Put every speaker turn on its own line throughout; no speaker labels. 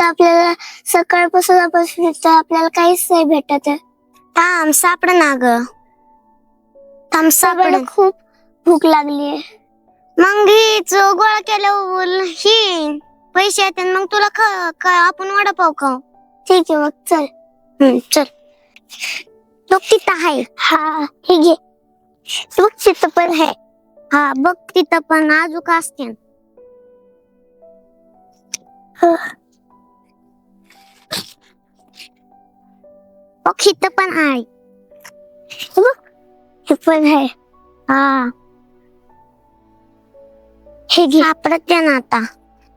आपल्याला सकाळपासून आपण फिरतोय, आपल्याला काहीच नाही भेटत आहे. थांब सापड ना ग. थांब सापड. खूप भूक लागलीये. मग हीच गोळा केल्यावर ही पैसे येतात, मग तुला आपण वडापाव खाऊ. ठीक आहे मग चल. चल बघ तिथं आहे. हा हे घे. बघ तिथं पण आहे. हा बघ तिथं पण अजून असते. बघ इथं पण आहे. हे पण आहे. हा हे घे. सापडत आहे ना आता.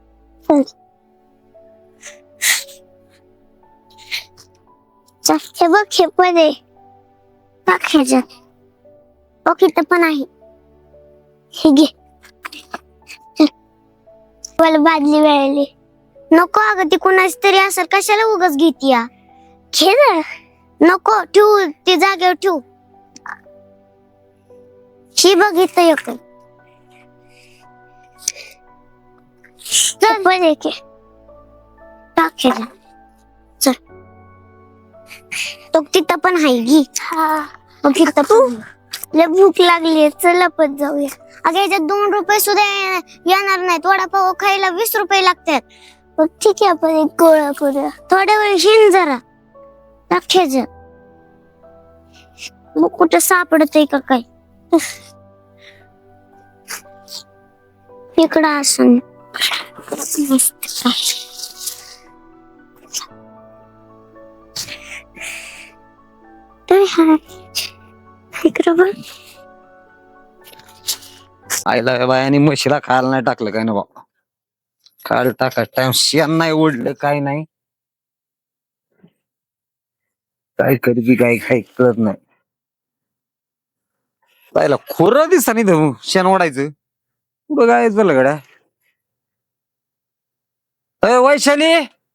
हे बघ हे पण आहे. बघ ह्याच्यात. बघ इथं पण आहे. हे घे. मला बादली मिळाली. नको अगं ती कुणाच तरी असेल, कशाला उगाच घेती या. घे ना. नको ठेवू, ती जागेवर ठेवू. ही बघ इथं एक. चल पण एक टाक ह्याच्यात. चल तो तिथं पण आहे घे. हा मग तिथं पण लय भूक लागली. चल आपण जाऊया. अगं याच्यात 2 रुपये सुद्धा येणार नाहीत. वडापाव खायला 20 रुपये लागतात. मग ठीक आहे आपण एक गोळा करूया. थोड्या वेळ हिंड जरा. टाक्याचं मग कुठं सापडत आहे का काय. इकडं असं इकडं बघ.
आईला बायानी म्हशीला खायला नाही टाकलं काय ना बाबा. खायला टाकायचं टाइम शेण नाही ओढलं काय नाही. काय करती काय काय कळत नाही. पाहिला खोर दिसता नाही शेण ओढायचं. कुठं काय झालं गड्या. वैशाली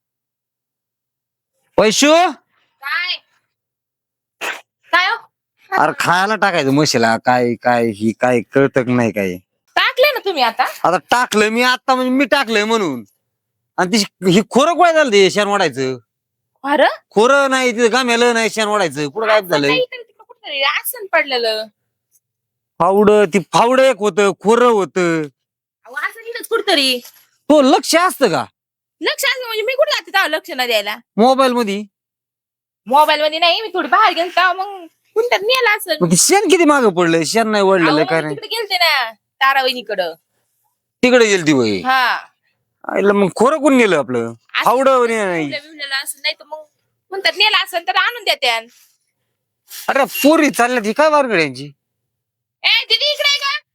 वैशू
काय काय हो?
अरे खायला टाकायचं म्हशीला. काय काय ही काय कळत नाही काय.
टाकले ना तुम्ही आता.
आता टाकलं मी आता, म्हणजे मी टाकलंय म्हणून. आणि ती ही खोरं काय झालं ते शेण ओढायचं.
अरे
खोरं नाही तिथं गाम्यालं नाही शेण ओढायचं. कुठं काय झालं.
कुठे आसन पडलेलं.
ती फावड एक होतं, खोरं होतं.
असं इथंच कुठतरी
तो लक्ष असतं का
लक्ष असं म्हणजे मी कुठे जाते तेव्हा लक्ष न द्यायला.
मोबाईल मध्ये.
मोबाईल मध्ये नाही, मी थोडी बाहेर गेले तेव्हा मग कुठं नेला असं.
मग ते शेण किती मागं पडलंय. शेण नाही ओढलेलं काय नाही.
तिकडे गेलते ना तारावणीकडं.
तिकडे गेली ती वय.
हा
आईला मग खोरं कोण नेलं आपलं. फावड नाही.
असं नाही तर मग म्हणतात नेला असं तर आणून द्या.
अरे पोरी चालल्या ती काय वारगड्यांची.
ए दीदी इकडे आहे का.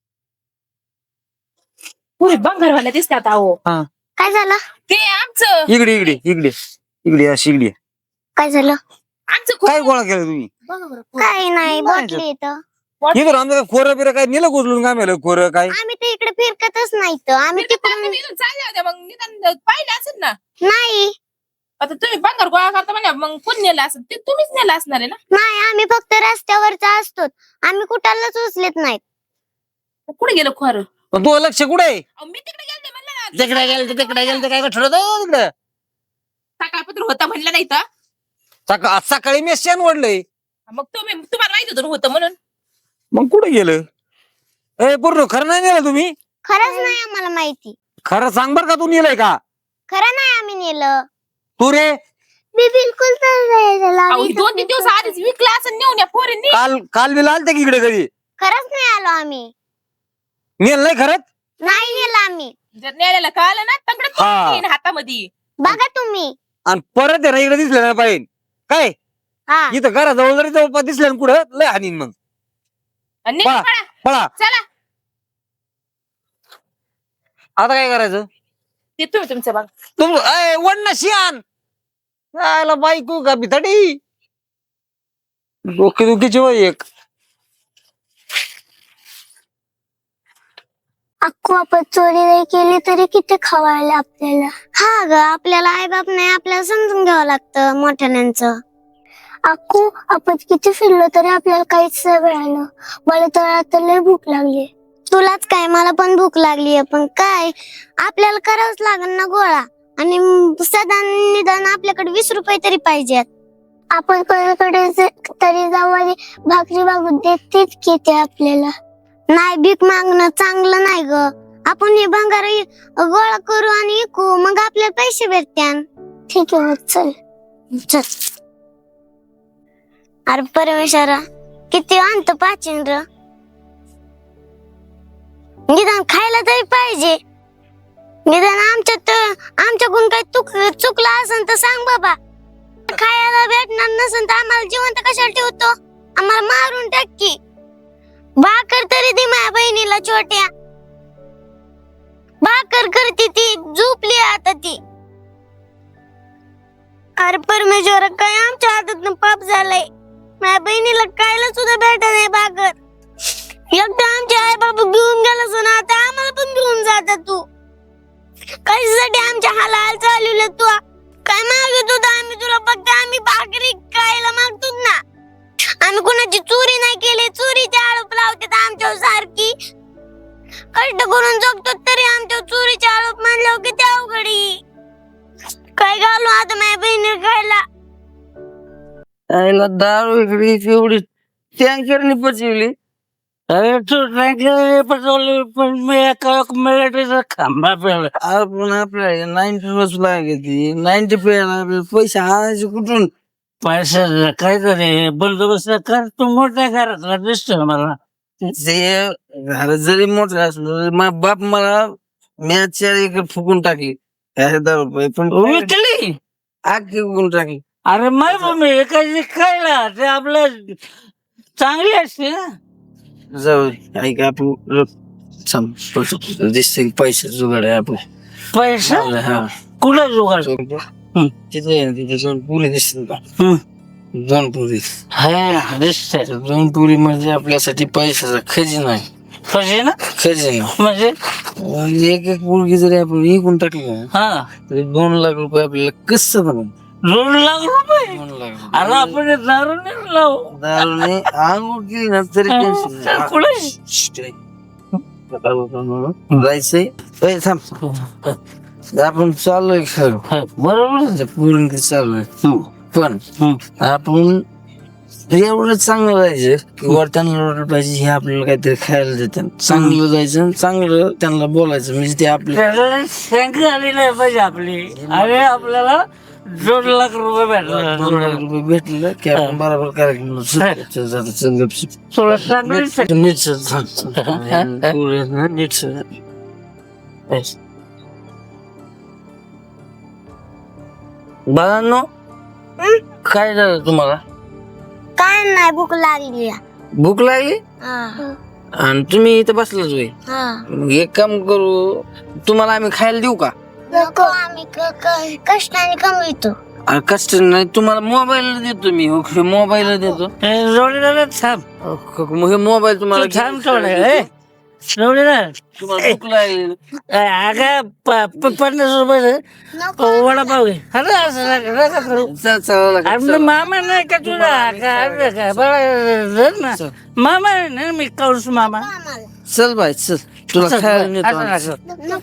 पुरी बंगारवाल्या दिसतात अहो.
हा
काय झालं.
ते आमचं
इकडे इकडे इकडे इकडे अशी इकडे.
काय झालं.
आमचं
काय गोळा केला तुम्ही.
काही नाही बॉटली इथं.
इकडं आमचं खोरं बिरं काय नेलं उचलून काय मेलं खोरं काय.
आम्ही तर इकडे फिरकतच नाही तर. आम्ही तिकडून
चालले होते मग निदान पाहिलं असेल ना.
नाही.
आता तुम्ही बंगार गोळा करता म्हणजे मग कोण नेला असेल ते तुम्हीच नेला असणार आहे ना.
नाही आम्ही फक्त रस्त्यावरचा असतो. आम्ही कुठालाच उचलत नाही.
कुठे गेलो खरं.
पण तू लक्ष कुठे आहे.
मी तिकडे गेलते म्हणलं ना.
तिकडे गेलं काय ठरवत तिकडं.
सकाळपत्र होता म्हणलं नाही तर.
सकाळी मी शेण ओढलंय.
मग तुम्हाला माहित होतं होतं म्हणून.
मग कुठे गेलं. पूर्ण खरं नाही नेलं तुम्ही.
खरंच नाही आम्हाला माहिती.
खरं सांग बर का तू नेलंय का.
खरं नाही आम्ही नेलं.
तू रे.
मी बिलकुल
अहो, 2-3 दिवस आधीच विकला असं नेऊन या पोरींनी.
काल बी आलते की इकडे घरी.
खरंच नाही आलो आम्ही.
नेल नाही खरंच.
नाही नेलं आम्ही.
जर नेल्याला कळालं ना तंगडं
हा.
तोडून येईन हातामध्ये.
बघा तुम्ही.
आणि परत आहे ना इकडे दिसलं नाही पाहिजे काय.
हा
इथं घराजवळ जरी जवळपास दिसलं ना कुठं लय हानीन मग.
आणि निघा
पळा.
पळा.
पळा
चला
आता काय करायचं.
ते तुम्ही तुमचं बघ.
तुम वडणं शियान यायला बायको का बिथाडी. डोके दुखीची वय एक.
अक्कू आपण चोरी नाही केली तरी किती खवायला आपल्याला. हा ग आपल्याला आई बाप नाही, आपल्याला समजून घ्यावं लागतं मोठ्याण्यांचं. अक्कू आपण किती फिरलो तरी आपल्याला काहीच नाही मिळालं. मला तर आता लय भूक लागली. तुलाच काय मला पण भूक लागली. पण काय आपल्याला करावंच लागेल ना गोळा. आणि सदा निदान आपल्याकडे 20 रुपये तरी पाहिजेत. आपण कोणाकडे तरी जाऊ आणि भाकरी मागून देतेच की ते आपल्याला. नाही, भीक मागणं चांगलं नाही ग. आपण हे भंगार गोळा करू आणि विकू, मग आपल्याला पैसे भेटत्यान. ठीक आहे, मग चल चल. अरे परमेश्वरा, किती आणतो पाचिंद्र, निदान खायला तरी पाहिजे. निदान आमच्याकडून काही चुकलं असेल तर सांग बाबा. खायला भेटणार नसेल तर आम्हाला जिवंत कशाला ठेवतो? आम्हाला मारून टाक की. भाकर तरी दे माझ्या बहिणीला छोट्या. भाकर करते ती, झोपली आता ती. अरे परमेश्वर, काय आमच्या हातातून पाप झालंय. माझ्या बहिणीला खायला सुद्धा भेटत नाही भाकर. एकदा आमचे आई बाबा घेऊन गेला ना, आता आम्हाला पण घेऊन जाता तू. कशासाठी आमच्या हाल चालवले तू? काय मागत होता आम्ही तुला? फक्त आम्ही भाकरी खायला मागतो ना. आम्ही कोणाची चोरी नाही केली. चोरीचे आरोप लावतात आमच्यावर सारखी. कष्ट करून जगतो तरी आमच्यावर चोरीचे आरोप मानल्यावर किती अवघडी. काय घालू आता माझ्या बहिणीला खायला?
आईला दारू इकडे एवढी टँकरने पचवली. अरे तू टँकर पचवली, पण मी एका मिलिटरीचा खांबा पेला. आपण आपल्या 90 रोज लागेल, 90 पेला पैसे आणायचे कुठून? पैसा काहीतरी बंदोबस्त कर. तू मोठ्या घरातला दिसतो मला. ते घर जरी मोठं असलं, माझा बाप मला मॅच 4 एकर फुकून टाकली. 1000 रुपये पण विकली, आग फुकून टाकली. अरे माय मम्मी एखादी खायला ते आपलं चांगली असते ना. जाऊ ऐक, आपण दिसते पैसे जुगाड आहे. आपण पैसा कुठं जुगाड? तिथे 2 पुरी दिसतील का? 2 पुरी दिसते. 2 पुरी म्हणजे आपल्यासाठी पैशाचा खजिना आहे. खजिना? खजिना म्हणजे एक एक मुलगी जरी आपण विकून टाकली ना, तरी 2 लाख रुपये आपल्याला कसं बनवून. 2 लाख रुपये? 2 लाख. अरे आपण दारू नाही लावू. दारू नाही आंघोळ केली ना तरी जायचंय. आपण चाललोय खरं, बरोबर पूर्ण चाललोय. पण आपण एवढं चांगलं जायचं की वर त्यांना पाहिजे हे आपल्याला काहीतरी खायला देतात. चांगलं जायचं, चांगलं त्यांना बोलायचं, म्हणजे ते आपल्याला शंका आली नाही पाहिजे आपली. अरे आपल्याला 2 लाख रुपये भेटला. 2 लाख रुपये भेटलं की आपण बरोबर कार्यक्रम बाळांनो. काय झालं तुम्हाला?
काय नाही, भूक लागली.
भूक लागली आणि तुम्ही इथं बसलाच होय. मग एक काम करू, तुम्हाला आम्ही खायला देऊ का?
नको, आम्ही कष्टाने कमवितो.
कष्ट नाही, तुम्हाला मोबाईल देतो मी. मोबाईल देतो. मग हे मोबाईल तुम्हाला तुम्हाला भूक लागली. 50 रुपये वडापाव घे. मामा नाही का तुझा? मामा नाही, मी कौस मामा. चल बाय चल, तुला खायला नेतो.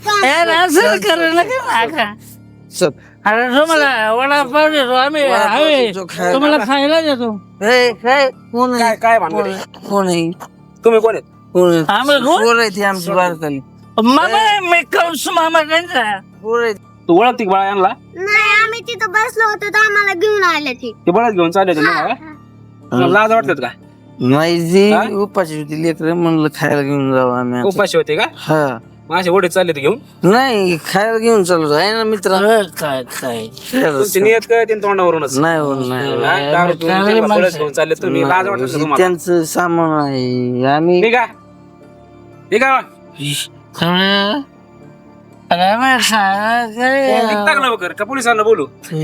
चल. अरे तुम्हाला वडापाव देतो आम्ही, तुम्हाला खायला देतो. कोण आहे? काय कोण आहे? तुम्ही कोण आहेत? आमची बारकाली मामा. मी कौस मामा त्यांचा.
तू ओळखते का बाळा यांना?
नाही, आम्ही तिथं बसलो होतो तर आम्हाला घेऊन आले
ते बळच घेऊन चालले होते ना. लाज वाटतात का?
नाही, जी उपाशी होती लेकर, म्हणलं खायला घेऊन जाऊ आम्ही.
उपाशी होते का?
हा,
माझे ओढे चालले ते घेऊन.
नाही खायला घेऊन चालू आहे ना मित्र. काय काय
तुमची नियत काय ते तोंडावरूनच
नाही होत नाही.
दारू पिऊन त्यांना बळच घेऊन चालले तुम्ही. लाज वाटत का तुम्हाला?
त्यांचं सामान आहे. आम्ही
ठीक आहे, ठीक आहे. निघता का लवकर का पोलिसांना बोलू?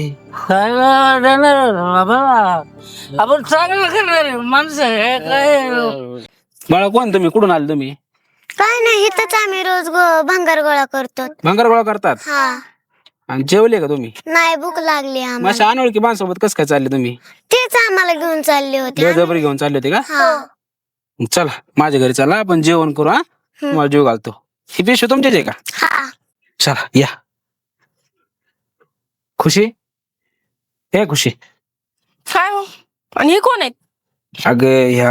आपण चांगलं करणार माणसं आहे काय.
बाळा कोण तुम्ही? कुठून आले तुम्ही?
काय नाही, इथंच आम्ही रोज भंगार गोळा करतो.
भंगार गोळा करतात?
हा.
आणि जेवले का तुम्ही?
नाही, भूक लागली आम्हाला.
माझ्या अनोळखी माणसासोबत कसं काय चालले तुम्ही?
तेच आम्हाला घेऊन चालले होते.
बळजबरी घेऊन चालले होते का?
हा.
चला माझ्या घरी चला, आपण जेवण करू. हा, तुम्हाला जेव घालतो. ही पिशवी तुमच्याच आहे का?
हा.
चला या. खुशी हे खुशी
काय हो आणि हे कोण आहेत?
अग ह्या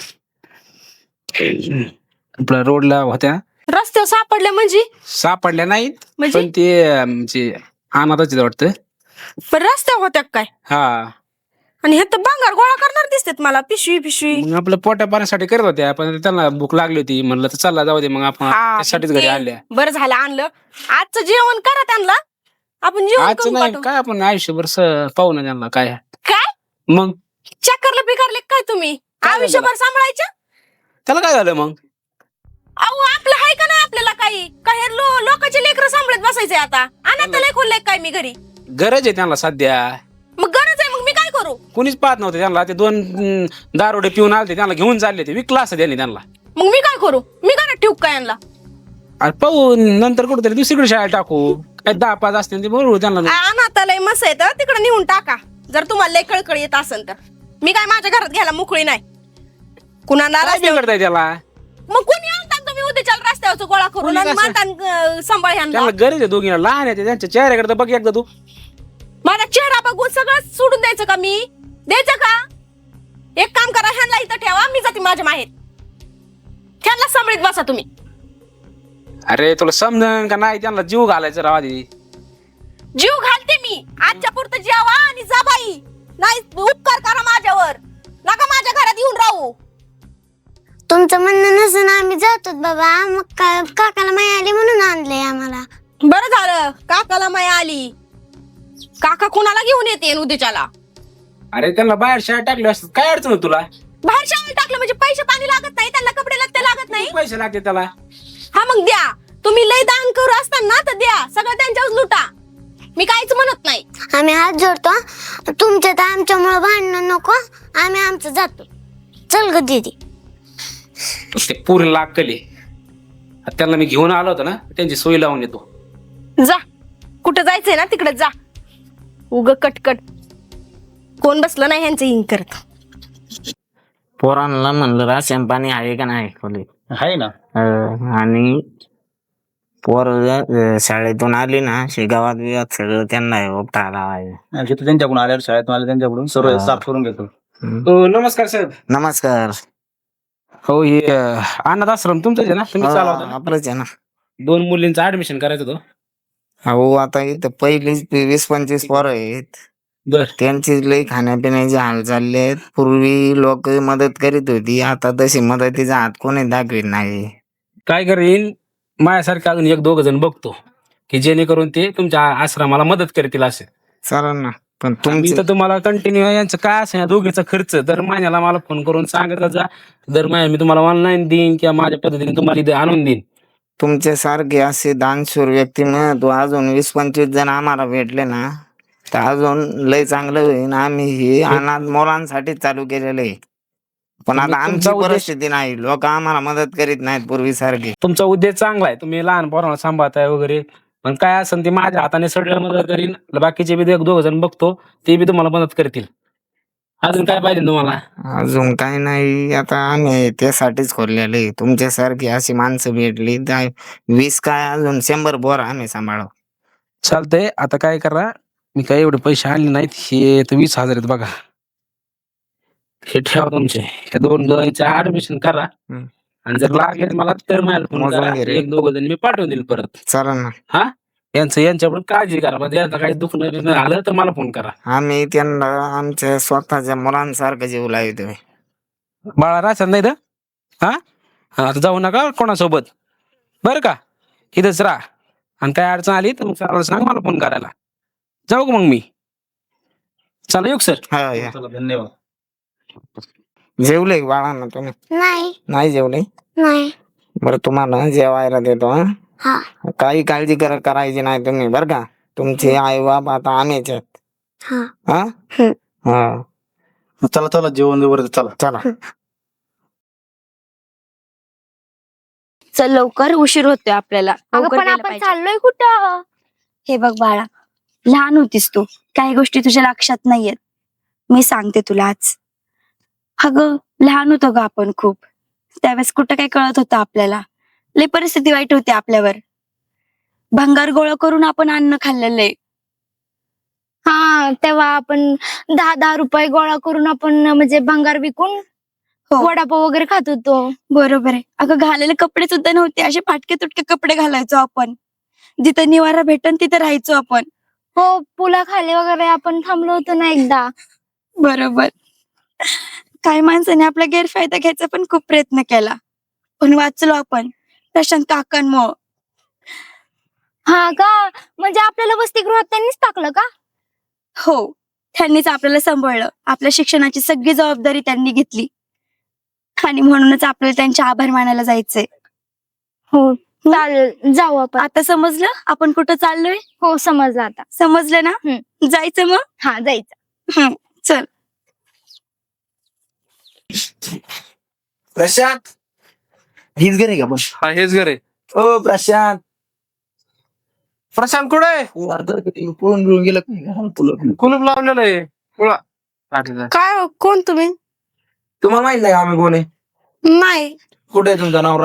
आपल्या रोडला होत्या
रस्त्यावर सापडले म्हणजे?
सापडल्या नाहीत
म्हणजे
पण ते म्हणजे अनाथच वाटतं.
पण रस्त्यावर होत्या काय?
हा
आणि हे तर भंगार गोळा करणार दिसतात मला, पिशवी पिशवी.
मग आपलं पोटा पाण्यासाठी करत होत्या पण त्यांना भूक लागली होती म्हणलं तर चला जाऊ दे मग आपण
हा,
त्यासाठीच
पण
घरी
ते
आणल्या.
बरं झालं आणलं. आजचं जेवण करा त्यांना, आपण जेवण
आजचं
करून
नाही
पाठवू.
काय आपण आयुष्यभर पाहू ना त्यांना काय
काय
मग
चक्करला बिकारले काय तुम्ही?
काय झालं?
आयुष्यभर सांभाळायचं?
त्याला काय झालं मग?
अहो आपलं आहे का नाही आपल्याला काही काय लोकांचे लेकरं सांभाळत बसायचंय आता? अनाथ लेखोल काय मी घरी?
गरज आहे त्यांना सध्या.
मग गरज आहे, मग मी काय करू?
कुणीच पाहत नव्हते त्यांना. ते 2 दारोडे पिऊन आले त्यांना घेऊन चालले ते विकला असं त्यांनी त्यांना.
मग मी काय करू? मी घरात ठेवू काय यांना?
अरे पाहू नंतर कुठेतरी दुसरीकडे शाळेत टाकू. काय 10-5 असतील ते बरोबर त्यांना.
अनाथालय मस्त आहे तर तिकडे नेऊन टाका, जर तुम्हाला लय कळकळ येत असेल तर. मी काय माझ्या घरात घ्यायला मोकळी नाही कुणाला
काय
रस्त्यावर.
बिघडताय त्याला?
मग कोणी आणतात तुम्ही उद्याच्या रस्त्यावरचं गोळा करून
कोणी
आणि
कसं?
म्हणता सांभाळ ह्यांना.
त्यांना गरज आहे दोघींना. लहान आहे ते, त्यांच्या चेहऱ्याकडे तर बघ एकदा तू.
माझा चेहरा बघून सगळं सोडून द्यायचं का मी? द्यायचं का? एक काम करा, ह्यांना इथं ठेवा, मी जाते माझ्या माहेर. ह्यांना सांभाळीत बसा तुम्ही.
अरे तुला समजन का नाही? त्यांना जीव घालायचं राव आधी.
जीव घालते मी. आजच्या पुरतं जेवा आणि जा बाई. नाही उपकार करा माझ्यावर, नका माझ्या घरात येऊन राहू.
तुमचं म्हणणं नसून आम्ही जातो बाबा. मग काय काकाला माय आली म्हणून आणलंय आम्हाला.
बरं झालं काकाला माया आली. काका कुणाला घेऊन येते उद्याच्याला?
अरे त्यांना बाहेर शाळेत टाकले असतात काय अडचण होती तुला?
बाहेर शाळेत टाकलं म्हणजे पैसे पाणी लागत नाही त्यांना, कपडे लागते लागत नाही.
किती पैसे लागते त्याला?
हा मग द्या. तुम्ही लय दान करू असताना तर द्या, सगळं त्यांच्यावर लुटा. मी काहीच म्हणत नाही.
आम्ही हात जोडतो. तुमच्या तर आमच्यामुळे भांडणं नको. आम्ही आमचं जातो. चल ग दीदी.
ते पूर्ण लागले. त्यांना मी घेऊन आलो होतो ना, त्यांची सोय लावून येतो.
जा, कुठं जायचंय ना तिकडे जा. उग कटकट कोण बसलं नाही ह्यांचं हिंग करत.
पोरांना म्हणलं राशन पाणी आहे का नाही खोली?
आहे ना.
आणि पोर शाळेतून आली ना गावात बिवात सगळं त्यांना उपटा लावायचं.
तिथं त्यांच्याकडून आल्यावर शाळेतून आले त्यांच्याकडून सर्व साफ करून घेतो.
नमस्कार साहेब.
नमस्कार.
हो हे अनाथ आश्रम तुमचंच आहे ना? तुम्ही चालवता ना?
आपलंच आहे ना.
2 मुलींचं ऍडमिशन करायचं होतं.
हो आता इथं पहिलीच 20-25 पोरं आहेत.
बर
त्यांची लई खाण्यापिण्याचे हाल चालले आहेत. पूर्वी लोक मदत करीत होती, आता तशी मदतीचा हात कोणी दाखवित नाही.
काय करेन माझ्यासारखे अजून 1-2 जण बघतो की जेणेकरून ते तुमच्या आश्रमाला मदत करतील असे.
चालेल ना. पण
मी
तुमची
तर तुम्हाला कंटिन्यू यांचं काय असेल दोघीचा खर्च दर महिन्याला मला फोन करून सांगत जा. दर महिन्याला मी तुम्हाला ऑनलाईन देईन किंवा माझ्या पद्धतीने तुम्हाला इथे आणून देईन.
तुमच्यासारखे असे दानशूर व्यक्तिमत्व अजून 20-25 जण आम्हाला भेटले ना तर अजून लय चांगलं होईल. आम्ही हे अनाथ मुलांसाठी चालू केलेलं आहे. पण आता
तुमचा
आमची
उद्देश-
परिस्थिती नाही, लोक आम्हाला मदत करीत नाहीत पूर्वीसारखी.
तुमचा उद्देश चांगला आहे, तुम्ही लहान पोरांना सांभाळताय वगैरे. पण काय असेल ते माझ्या हाताने सगळं मदत करीन. बाकीचे बी 1-2 जण बघतो ते बी तुम्हाला मदत करतील. अजून काय पाहिजे तुम्हाला?
अजून काही नाही. आता आम्ही त्यासाठीच खोललेलं आहे. तुमच्यासारखी अशी माणसं भेटली तर 20 काय अजून 100 पोर आम्ही सांभाळू.
चालतंय. आता काय करा, मी काय एवढे पैसे आणले नाहीत. हे तर 20,000 आहेत बघा. हे ठेवा तुमचे. हे 2 जणांचे ऍडमिशन करा.
हम्म.
आणि जर लागले तर मला तर मला फोन
मोजून
करा.
घे रे.
1-2 जण मी पाठवून देईल परत.
चालेल ना.
हा यांच्यावर काळजी करा. म्हणजे यांचं काही दुखणं आलं तर मला फोन करा.
आम्ही त्यांना आमच्या स्वतःच्या मुलांसारखं जीव लावतोय.
बाळा राहतात नाही तर हा आता जाऊ नका कोणासोबत बरं का. इथंच राहा आणि काय अडचण आली तर मग सरांना सांग मला फोन करायला. जाऊ का मग मी? चला येऊ सर.
हा या.
धन्यवाद.
जेवले बाळांना तुम्ही?
नाही
नाही जेवले?
नाही.
बरं तुम्हाला जेवायला देतो.
हा
काही काळजी करायची नाही तुम्ही बरं का. तुमचे आई बाप आता आम्हीच आहेत.
हा
हा
हम्म.
हा
चला चला जेवण वगैरे चला.
चला.
चल लवकर, उशीर होतोय आपल्याला.
अगं
लवकर
पण
गेलं
आपण
पाहिजे.
चाललोय कुठं?
हे बघ बाळा, लहान होतीस तू, काही गोष्टी तुझ्या लक्षात नाहीयेत. मी सांगते तुला आज. अगं लहान होतो ग आपण खूप. त्यावेळेस कुठं काय कळत होतं आपल्याला. लय परिस्थिती वाईट होती आपल्यावर. भंगार गोळा करून आपण अन्न खाल्लेलं आहे. हा तेव्हा आपण 10-10 रुपये गोळा करून आपण म्हणजे भंगार विकून वडापाव वगैरे खात होतो. बरोबर आहे. अगं घालायला कपडे सुद्धा नव्हते, असे फाटके तुटके कपडे घालायचो आपण. जिथं निवारा भेटन तिथं राहायचो आपण. हो, पुलाखाली वगैरे आपण थांबलो होतो ना एकदा. बरोबर. काही माणसाने आपला गैरफायदा घ्यायचा पण खूप प्रयत्न केला, पण वाचलो आपण प्रशांत काकांमुळं. हा का? म्हणजे आपल्याला वसतिगृहात त्यांनीच टाकलं का? हो, त्यांनीच आपल्याला सांभाळलं. आपल्या शिक्षणाची सगळी जबाबदारी त्यांनी घेतली आणि म्हणूनच आपल्याला त्यांचे आभार मानायला जायचंय. हो चालेल, जाऊ आपण. आता समजलं आपण कुठं चाललोय? हो समजलं आता. समजलं ना? जायचं मग? हा जायचं. चल.
प्रशांत, हीच घर आहे का? बस
हा हेच घर आहे.
ओ प्रशांत,
प्रशांत कुठे?
पळून घेऊन गेलं का?
कुलूप लावलेलं आहे. कुळा पाठीचा.
काय हो, कोण तुम्ही?
तुम्हाला माहित नाही का आम्ही कोण आहे?
नाही.
कुठे आहे तुमचा नवरा?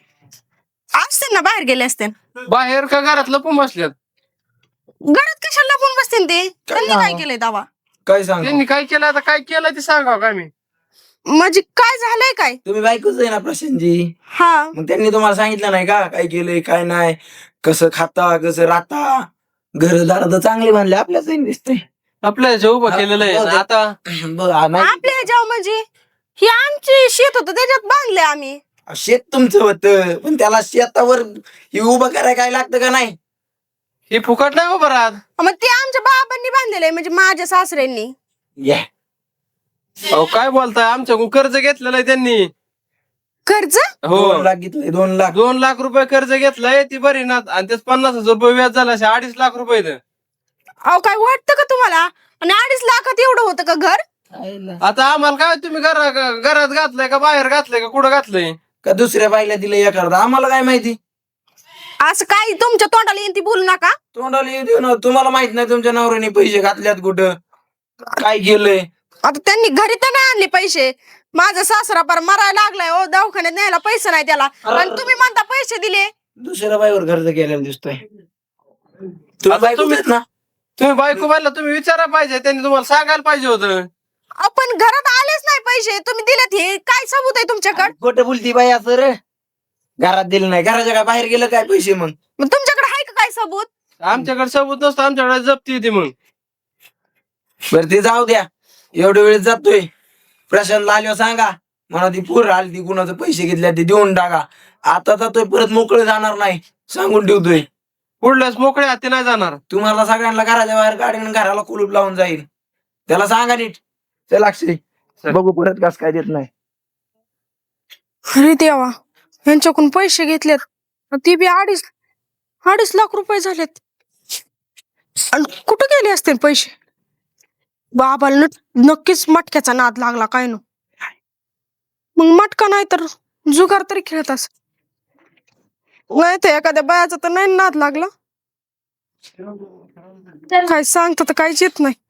असते ना, बाहेर गेले असते.
बाहेर का घरात लपून बसल्यात?
घरात कशाला लपून बसते ते? त्यांनी काय केलंय दावा?
काय सांग?
त्यांनी काय केलं आता, काय केलं ते सांगावं काय मी.
म्हणजे काय झालंय काय?
तुम्ही बायकोच आहे ना प्रशांतजी?
हा,
मग त्यांनी तुम्हाला सांगितलं नाही का काय केलंय काय नाही, कसं खाता कसं राहता? घरदार तर चांगले बांधले, आपल्याच दिसतंय.
आपल्या उभं केलेलं आहे आणि आता
बघ, नाही
आपल्या ह्याच्यावर म्हणजे ही आमची शेत होतं त्याच्यात बांधले आम्ही.
शेत तुमचं होतं, पण त्याला शेतावर हे उभं करायला काय लागतं का नाही?
हे फुकट नाही उभं राहत.
मग ते आमच्या बाबांनी बांधलेलं आहे, म्हणजे माझ्या सासऱ्यांनी.
या
अहो काय बोलताय, आमच्याकडून कर्ज घेतलेलं आहे त्यांनी.
कर्ज?
हो
2 लाख घेतले, 2 लाख.
2 लाख रुपये कर्ज घेतलंय ती बरी ना, आणि त्याच 50,000 रुपये व्याज झालं, असे 2.5 लाख रुपये इथं.
अहो काय वाटतं का तुम्हाला? आणि 2.5 लाखात एवढं होतं का घर?
आता आम्हाला काय, तुम्ही घरात घातलंय का बाहेर घातलंय का कुठं घातलंय?
का दुसऱ्या बाईला दिलं या करता? आम्हाला काय माहिती?
असं काय तुमच्या तोंडाला येईन ती बोलू नका.
तोंडाला येऊ देऊ ना. तुम्हाला माहित नाही तुमच्या नवऱ्याने पैसे घातल्यात कुठं, काय केलंय?
आता त्यांनी घरी तर नाही आणले पैसे. माझा सासरा पार मरायला लागलाय, ओ दवाखान्यात न्यायला पैसे नाही त्याला, आणि तुम्ही म्हणता पैसे दिले.
दुसऱ्या बाईवर खर्च केलेला दिसतोय. तुम्ही
आता
बायकोच आहेत ना?
तुम्ही बायको बायला तुम्ही विचारायला पाहिजे, त्यांनी तुम्हाला सांगायला पाहिजे होतं.
आपण घरात आलेच नाही पैसे, तुम्ही दिलेत, हे काय सबूत आहे तुमच्याकडे?
खोटं बोलती बाई असं रे. घरात दिलं नाही, घराच्या काय बाहेर गेलं काय पैसे? मग
मग तुमच्याकडे आहे का काय सबूत?
आमच्याकडे सबूत नसतं, आमच्याकडे जप्ती येते. मग
बरं ते जाऊ द्या, एवढ्या वेळेस जातोय. प्रशांतला आल्यावर सांगा म्हणा ती पूर आली, ती कुणाचं पैसे घेतल्या ते देऊन टाका. आता जातोय, परत मोकळे जाणार नाही, सांगून ठेवतोय.
पुढल्याच मोकळे हाती नाही जाणार.
तुम्हाला सगळ्यांना घराच्या बाहेर काढीन, घराला कुलूप लावून जाईल. त्याला सांगा नीट. चल अक्षय, बघू परत कस काय देत नाही.
अरे देवा, यांच्याकडून पैसे घेतलेत, ती बी 2.5 लाख रुपये झालेत. आणि कुठं गेले असतील पैसे? बाबाला नक्कीच मटक्याचा नाद लागला काय नो. मग मटका नाही तर जुगार तरी खेळत अस, नाही तर एखाद्या बायाचा तर नाही नाद लागला. काय सांगत तर काहीच येत नाही.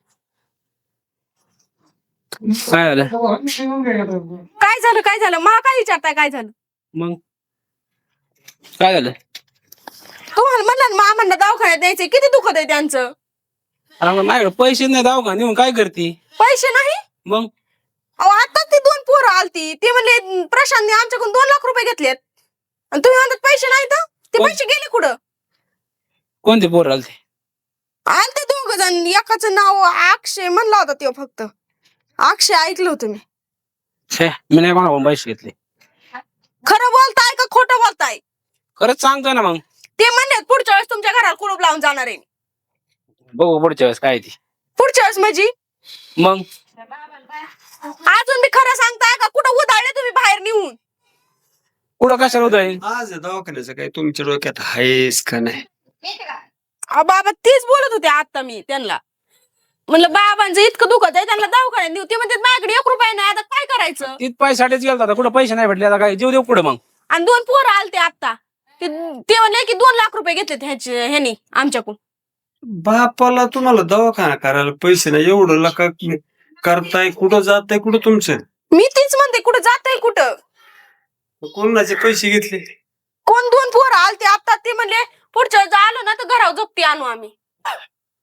काय झालं?
काय झालं मला काय विचारताय? काय झालं?
मग काय झालं?
तुम्हाला म्हणलं ना मामांना दवाखान्यात द्यायचे, किती दुखत आहे त्यांचं.
माझ्याकडे पैसे नाही, दवाखाने मग काय करते?
पैसे नाही?
मग
अहो आता ती 2 पोरं आलती, ते म्हणले प्रशांतने आमच्याकडून 2 लाख रुपये घेतलेत, आणि तुम्ही म्हणतात पैसे नाही. तर ते पैसे गेले कुठं?
कोणते पोर आलते?
आलते 2 जण. एकाचं नाव अक्षय म्हणला होता, तो फक्त अक्षय ऐकलं होतं मी.
मी नाही कोणाकडून पैसे घेतले.
खरं बोलताय का खोटं बोलताय?
खरंच सांगतोय ना. मग
ते म्हणले पुढच्या वेळेस तुमच्या घराला कुलूप लावून जाणार आहे.
बघू पुढच्या वेळेस काय ती.
पुढच्या वेळेस म्हणजे
मग
अजून मी खरं सांगताय का कुठं उधाळले तुम्ही बाहेर नेऊन?
कुठं कशाला होत?
आज दवाखान्याचं काय तुमच्या डोक्यात आहेस का नाही?
बाबा तेच बोलत होते आता मी त्यांना. म्हणलं बाबांचं इतकं दुखत आहे, त्यांना दवाखान्यात नेऊ. ते म्हणते माझ्याकडे 1 रुपया नाही, आता काय करायचं?
तीच पैसाठीच गेलता आता, कुठं पैसे नाही भेटले, आता काय जीव देऊ कुठं मग?
आणि 2 पोरं आलते आता, ते म्हणले की 2 लाख रुपये घेतले ह्यानी आमच्याकडून.
बापाला तुम्हाला दवाखाना करायला पैसे नाही, एवढं लका करताय, कुठं जाताय, कुठं तुमचं?
मी तीच म्हणते कुठं जाताय कुठं?
कोणाचे पैसे घेतले?
कोण 2 पोरं आलते आता, ते म्हणले पुढच्या वेळेस आलो ना तर घरावर जप्ती आणू आम्ही.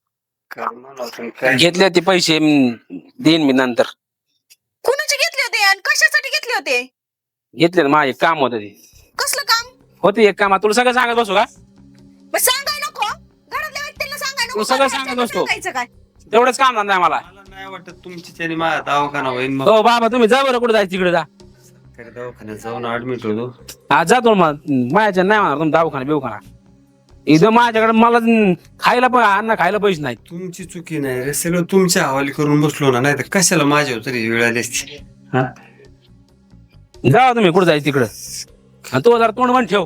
घेतले ते पैसे देईन मी नंतर.
कुणाचे घेतले होते आणि कशासाठी घेतले होते?
घेतले ना, माझे काम होतं ते.
कसलं काम?
होते एक काम. तुला सगळं सांगत बसू का?
मग सांगाय नको घरातल्या व्यक्तीला सांगाय नको.
तू सगळं
घरातल्या
सांगत बसतो.
सांगायचं काय?
तेवढंच काम धंदा आहे मला.
मला नाही वाटत तुमची त्याने माझा दवाखाना होईल. मग
हो बाबा, तुम्ही जा बरं, कुठे जायचं तिकडे जा.
सरकारी दवाखान्यात जाऊन ऍडमिट होतो.
आज जातो मग. माझ्या नाही म्हणणार तुम्ही दवाखाना बिवखाना. इथं माझ्याकडे मला खायला पण अन्न खायला पैसे नाहीत.
तुमची चुकी नाही रे, सगळं तुमच्या हवाली करून बसलो ना, नाही तर कशाला माझ्यावर तरी वेळ आली असती. हा
जा तुम्ही, कुठे जायचं तिकडं. आणि तू जरा तोंड बंद ठेव.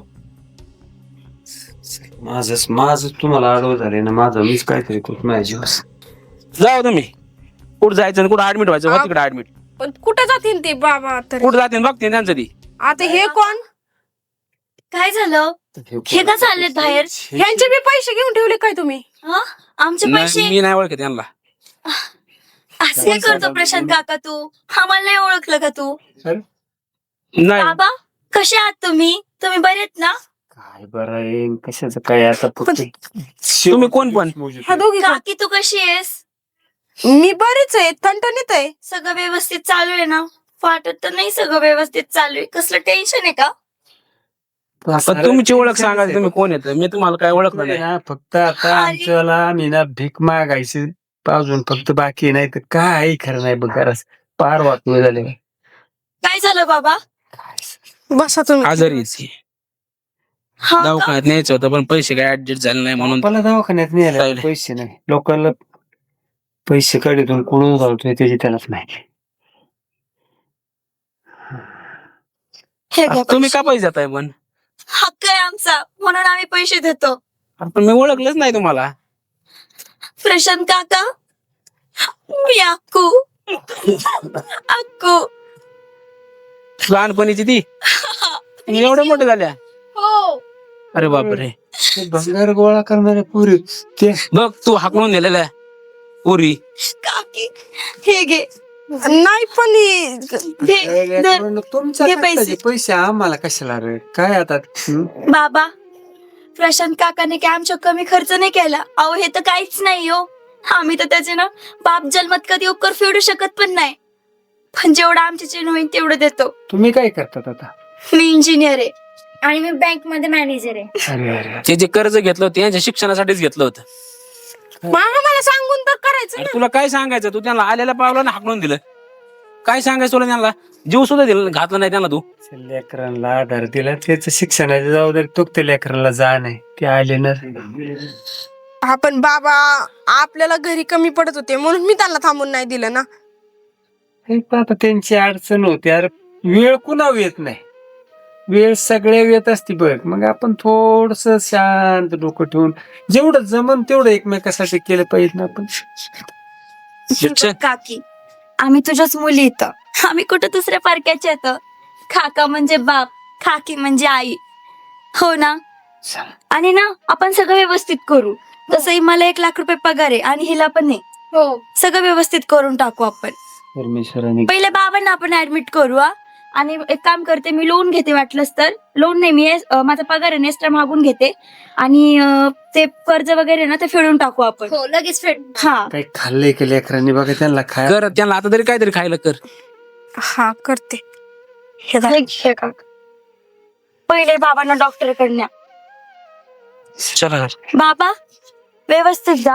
माझं तुम्हाला आडवं झालंय ना, माझं मीच काहीतरी करतो माझ्या जीवास.
जाऊ तुम्ही. कुठं जायचं आणि कुठं ऍडमिट व्हायचं हो तिकडे ऍडमिट.
पण कुठे जातील ते बाबा तरी?
कुठं जाते बघते त्यांचं ती.
आता हे कोण?
काय झालं? हे का चाललेत बाहेर?
ह्यांचे बी पैसे घेऊन ठेवले काय तुम्ही?
आमचे पैसे?
नाही, मी नाही ओळखत त्यांना.
असं काय करतो प्रशांत काका तू? आम्हाला नाही ओळखलं का तू?
नाही.
बाबा कसे आहात तुम्ही? तुम्ही बरे आहेत ना?
काय बरं आहे कशाचं काय आता फक्त
तुम्ही कोण पण?
ह्या दोघी कोण?
काकी तू कशी आहेस?
मी बरीच आहे, ठणठणीत आहे.
सगळं व्यवस्थित चालू आहे ना? वाटत तर नाही सगळं व्यवस्थित चालू आहे. कसलं टेन्शन आहे का?
पण तुमची ओळख सांगा, तुम्ही कोण येत? मी तुम्हाला काय ओळखलं नाही.
ना, फक्त आता आमच्याला आम्ही ना भीक मागायची पाजून फक्त बाकी नाही तर काय खरं नाही बघ. घरास पार वाटू झाले.
काय झालं बाबा?
बसा तुम्ही.
आजारी आहे.
हा का?
दवाखान्यात न्यायचं होतं पण पैसे काय ऍडजस्ट झाले नाही म्हणून.
मला दवाखान्यात नाही आलं,
राहिले.
पैसे नाही. लोकांना पैसे काढून कुठून घालतोय त्याची त्यालाच माहिती.
हे घ्या
तुम्ही
पैसे.
का पैसे देताय पण?
हक्क आहे आमचा म्हणून आम्ही पैसे देतो.
पण मी ओळखलंच नाही तुम्हाला.
प्रशांत काका, मी अक्कू. अक्कू.
लहानपणीची ती तुम्ही एवढ्या मोठे झाल्या.
हो.
अरे बापरे.
ते भंगार गोळा करणारे पुरी ते
बघ तू हाकलून दिलेल्या पुरी.
काकी हे घे.
नाही पण
धर.
तुमच्या
हे
खर्चाचे पैसे आम्हाला कशाला रे? काय आता
बाबा प्रशांत काकाने काय आमच्या कमी खर्च नाही केला. अहो हे तर काहीच नाही हो. आम्ही तर त्याचे ना बाप जन्मत कधी उपकार फेडू शकत पण नाही. पण जेवढं आमच्या चेन होईल तेवढं देतो.
तुम्ही काय करतात आता?
मी इंजिनियर आहे आणि मी बँक मध्ये मॅनेजर आहे.
अरे अरे
ते जे कर्ज घेतलं होतं त्यांच्या शिक्षणासाठीच घेतलं होतं.
मला सांगून तर करायचं
अरे
ना.
तुला काय सांगायचं? तू त्यांना आलेल्या पावला ना हाकलून दिलं. काय सांगायचं तुला त्यांना? जीव सुद्धा दिला घातला नाही त्यांना तू.
लेकरांना आधार दिला, त्याचं शिक्षणाची जबाबदारी तो त्या लेकरांना जा नाही. ते आले ना.
आपण बाबा आपल्याला घरी कमी पडत होते म्हणून मी त्यांना थांबून नाही दिलं ना.
हे आता त्यांची अडचण होती. अरे वेळ कुणावर येत नाही, वेळ सगळ्या येत असते बघ. मग आपण थोडस शांत डोकं ठेवून जेवढं जमन तेवढं एकमेकासाठी केलं पाहिजे ना आपण.
शिक्षण
काकी आम्ही तुझ्याच मुली इथं. आम्ही कुठं दुसऱ्या पारख्याच्या येतं. काका म्हणजे बाप, काकी म्हणजे आई. हो ना? आणि ना आपण सगळं व्यवस्थित करू. तसंही मला 1 लाख रुपये पगार आहे आणि हिला पण आहे.
हो.
सगळं व्यवस्थित करून टाकू आपण.
परमेश्वराने
पहिले बाबांना आपण ऍडमिट करू. आणि एक काम करते, मी लोन घेते. वाटलंच तर लोन नाही, मी माझा पगार आहे एक्स्ट्रा मागून घेते आणि ते कर्ज वगैरे ना ते फेडून टाकू आपण.
हो लगेच फेड.
हा
काही खाल्लंय की लेकरांनी बघा त्यांना खाय.
कर त्यांना आता तरी काहीतरी खायला कर.
हा करते.
हे काका पहिले बाबांना डॉक्टर कडे.
चला
बाबा व्यवस्थित जा.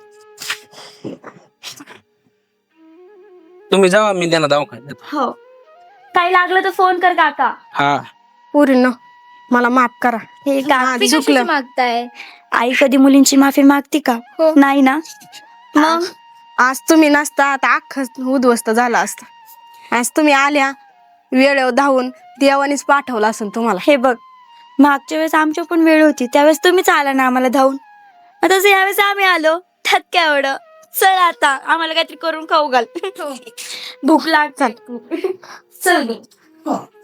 तुम्ही जावा, मी त्यांना दवाखान्यात.
हो काही लागलं तर फोन कर काका.
हा
पुरीनो मला माफ करा.
हे काकी
चुकलं.
मागताय.
आई कधी मुलींची माफी मागती का?
हो.
नाही ना. मग
आज तुम्ही नसता आता अख्खं उद्ध्वस्त झाला असता. आज तुम्ही आल्या वेळेवर धावून देवानीच पाठवला असेल तुम्हाला.
हे बघ, मागच्या वेळेस आमची पण वेळ होती त्यावेळेस तुम्हीच आला ना आम्हाला धावून. आता यावेळेस आम्ही आलो. त्यात काय एवढं. चल आता आम्हाला काहीतरी करून खाऊ घाल. भूक लागत. चल.